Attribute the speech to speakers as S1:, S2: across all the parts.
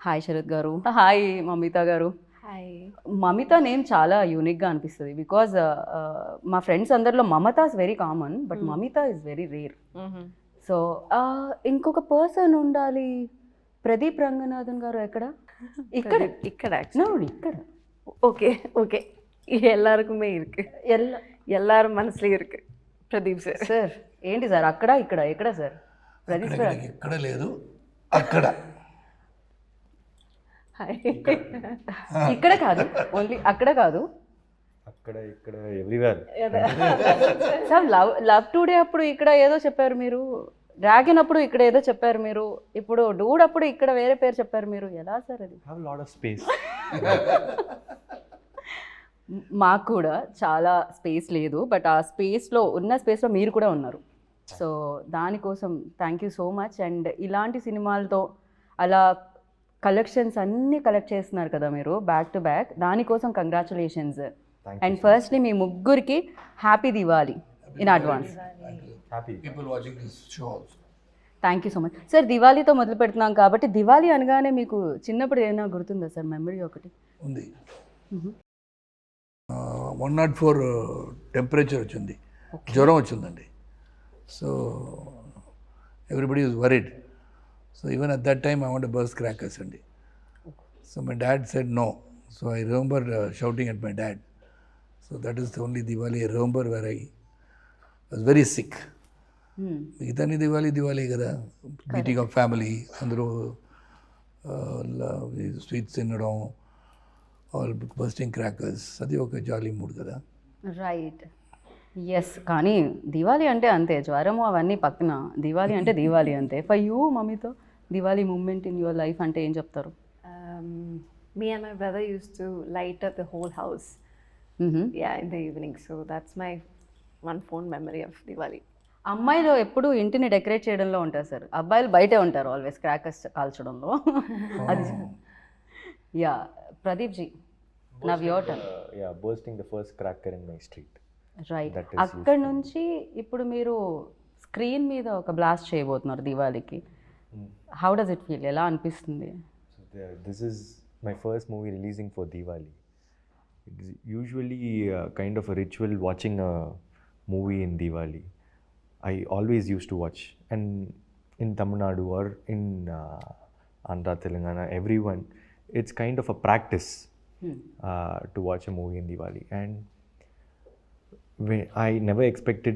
S1: Hi Sarath గారు. Hi Mamitha గారు.
S2: Hi.
S1: Mamitha name చాలా యూనిక్గా అనిపిస్తుంది బికాజ్ మా ఫ్రెండ్స్ అందరిలో Mamata is very common but Mamitha is very rare. So ఇంకొక పర్సన్ ఉండాలి. ప్రదీప్ రంగనాథన్ గారు ఎక్కడ? ఇక్కడ
S2: ఇక్కడ
S1: ఇక్కడ
S2: ஓகே ஓகே எல்லாருக்குமே இருக்கு. எல்லாரும் மனசுல இருக்கு ప్రదీప్ సార్.
S1: సార్ ఏంటి సార్ అక్కడ ఇక్కడ ఎక్కడ సార్? ప్రదీప్ సార్
S3: ఇక్కడ లేదు, అక్కడ.
S2: హాయ్.
S1: ఇక్కడ కాదు, ఓన్లీ అక్కడ కాదు,
S4: అక్కడ ఇక్కడ ఎవ్రీవేర్.
S1: సార్ లవ్ టుడే అప్పుడు ఇక్కడ ఏదో చెప్పారు మీరు, డ్రాగన్ అప్పుడు ఇక్కడ ఏదో చెప్పారు మీరు, ఇప్పుడు డూడ్ అప్పుడు ఇక్కడ వేరే పేరు చెప్పారు మీరు. ఎలా సార్ అది?
S4: Have lot of space.
S1: మాకు కూడా చాలా స్పేస్ లేదు, బట్ ఆ స్పేస్లో ఉన్న స్పేస్లో మీరు కూడా ఉన్నారు. సో దానికోసం thank you so much. And ఇలాంటి సినిమాలతో అలా కలెక్షన్స్ అన్నీ కలెక్ట్ చేస్తున్నారు కదా మీరు బ్యాక్ టు బ్యాక్, దానికోసం కంగ్రాచులేషన్స్. అండ్ ఫస్ట్లీ మీ ముగ్గురికి happy Diwali in advance. Thank you so much sir. దివాళీతో మొదలు పెడుతున్నాం కాబట్టి దివాళీ అనగానే మీకు చిన్నప్పుడు ఏమైనా గుర్తుందా సార్ మెమరీ ఒకటి?
S3: ఉంది. 104 టెంపరేచర్ వచ్చింది, జ్వరం వచ్చిందండి. So everybody is worried. So even at that time I want burst crackers అండి. So my dad said no. So I remember shouting at my dad. So that is the only Diwali I remember where I was very sick. మిగతాని దివాళీ కదా, meeting of family, అందరూ sweets తినడం, all bursting crackers, అది ఒక jolly mood కదా.
S1: Right, yes. కానీ దివాళీ అంటే అంతే, జ్వరము అవన్నీ పక్కన, దివాళీ అంటే దివాళీ అంతే. ఫర్ యూ మమ్మీతో Diwali moment in your life అంటే ఏం చెప్తారు?
S2: Me and my brother used to light up the whole house. Yeah, in the evening. So that's my one fond memory of Diwali.
S1: అమ్మాయిలు ఎప్పుడు ఇంటిని డెకరేట్ చేయడంలో ఉంటారు సార్, అబ్బాయిలు బయటే ఉంటారు ఆల్వేస్ క్రాకర్స్ కాల్చడంలో. అది yeah. Pradeep ji, now your turn.
S4: Yeah, bursting the first cracker in my street.
S1: Right. అక్కడ నుంచి ఇప్పుడు మీరు స్క్రీన్ మీద ఒక బ్లాస్ట్ చేయబోతున్నారు దివాళీకి. How does it feel? ఎలా అనిపిస్తుంది?
S4: This is my first movie releasing for Diwali. It's usually kind of a ritual watching a movie in Diwali. I always used to watch, and in Tamil Nadu or in Andhra, Telangana, everyone, it's kind of a practice to watch a movie in Diwali. And I never expected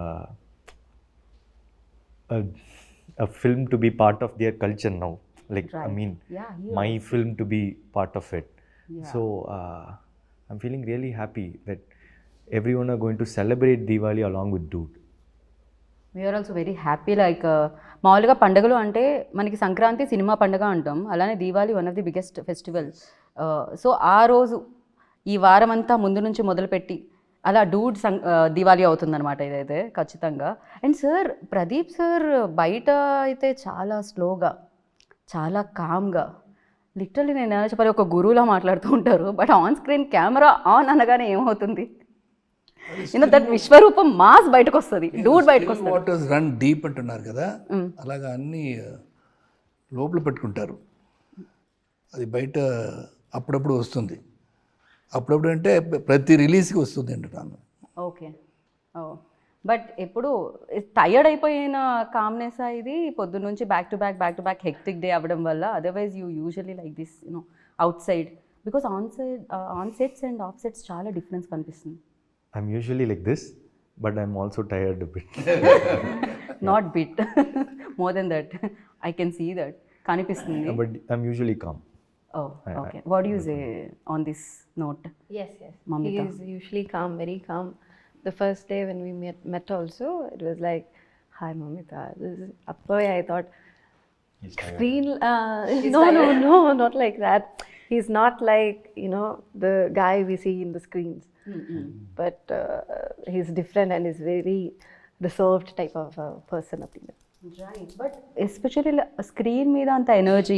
S4: a film to be part of their culture now. Like, right. I mean, my film to be part of it. So I'm feeling really happy that everyone are going to celebrate Diwali along with Dude.
S1: We are also very happy. Like మామూలుగా పండుగలు అంటే మనకి Sankranti cinema పండుగ అంటాం, అలానే Diwali one of the biggest festival. So ఆ రోజు ఈ వారం అంతా ముందు నుంచి మొదలుపెట్టి అలా డూడ్ దివాళీ అవుతుందన్నమాట ఇదైతే ఖచ్చితంగా. అండ్ సార్, ప్రదీప్ సార్ బయట అయితే చాలా స్లోగా, చాలా కామ్గా, లిటరల్లీ నేను ఎలా చెప్పాలి, ఒక గురువులా మాట్లాడుతూ ఉంటారు. But on screen camera on అనగానే ఏమవుతుంది, దట్ విశ్వరూపం మాస్ బయటకు వస్తుంది, డూడ్ బయటకు వస్తుంది.
S3: వాటర్స్ రన్ డీప్ అంటున్నారు కదా, అలాగా అన్నీ లోపల పెట్టుకుంటారు. అది బయట అప్పుడప్పుడు వస్తుంది. అప్పుడప్పుడు అంటే ప్రతి రిలీజ్కి వస్తుంది అంటున్నాను.
S1: ఓకే. ఓ, బట్ ఎప్పుడు టయర్డ్ అయిపోయిన కామ్నెస్ ఇది పొద్దున్న నుంచి back to back hectic day అవ్వడం వల్ల? Otherwise you usually like this outside, because on sets and off sets చాలా డిఫరెన్స్ కనిపిస్తుంది.
S4: I'm usually like this, but I'm also tired a bit.
S1: Not bit, more than that. I can see that. Kanipistundi.
S4: But I'm usually calm.
S1: Oh, okay. What do you say on this note?
S2: Yes.
S1: Mamita.
S2: He is usually calm, very calm. The first day when we met also, it was like, hi Mamita. This is Appoy. I thought, screen. No, not like that. He's not like, the guy we see in the screens. But he's different and is very reserved type of person.
S1: Right. But especially screen మీద అంత energy,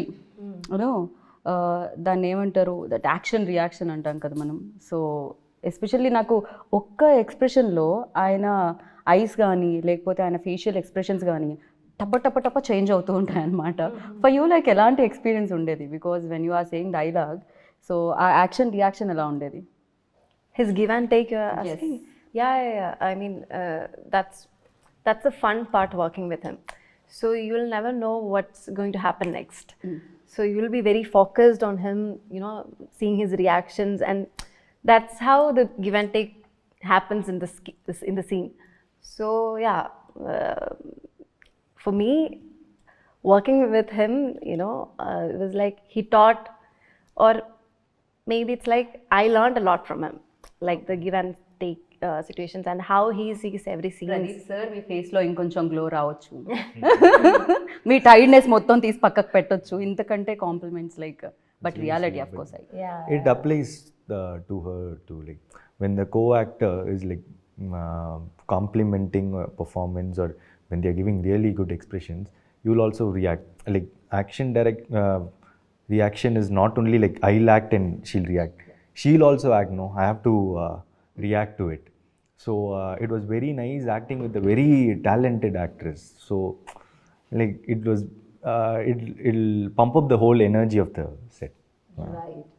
S1: దాన్ని ఏమంటారు, that action reaction అంటాం కదా మనం. So especially నాకు ఒక్క ఎక్స్ప్రెషన్లో ఆయన ఐస్ కానీ లేకపోతే ఆయన ఫేషియల్ ఎక్స్ప్రెషన్స్ కానీ టప్ప టప్ప టప్ప చేంజ్ అవుతూ ఉంటాయి అనమాట. ఫర్ యూ లైక్ ఎలాంటి ఎక్స్పీరియన్స్ ఉండేది? Because when you are saying dialogue, so ఆ యాక్షన్ రియాక్షన్ ఎలా ఉండేది?
S2: His give and take, you're asking? Yeah. I mean, that's the fun part working with him. So you'll never know what's going to happen next. So you'll be very focused on him, you know, seeing his reactions, and that's how the give and take happens in in the scene. So yeah, for me, working with him, you know, it was like he taught, or maybe it's like I learned a lot from him, like the give and take situations and how he sees every scene.
S1: Pradeep sir మీ ఫేస్లో ఇంకొంచెం glow రావచ్చు, మీ tiredness మొత్తం తీసి పక్కకు పెట్టొచ్చు, ఇంతకంటే compliments like, but reality of course
S4: It applies to her too. Like when the co-actor is like complimenting a performance, or when they are giving really good expressions, you will also react. Like action reaction is not only like I'll act and she'll react. She'll also act. No, I have to react to it. So it was very nice acting with a very talented actress. So like it was, it'll pump up the whole energy of the set.
S1: Right.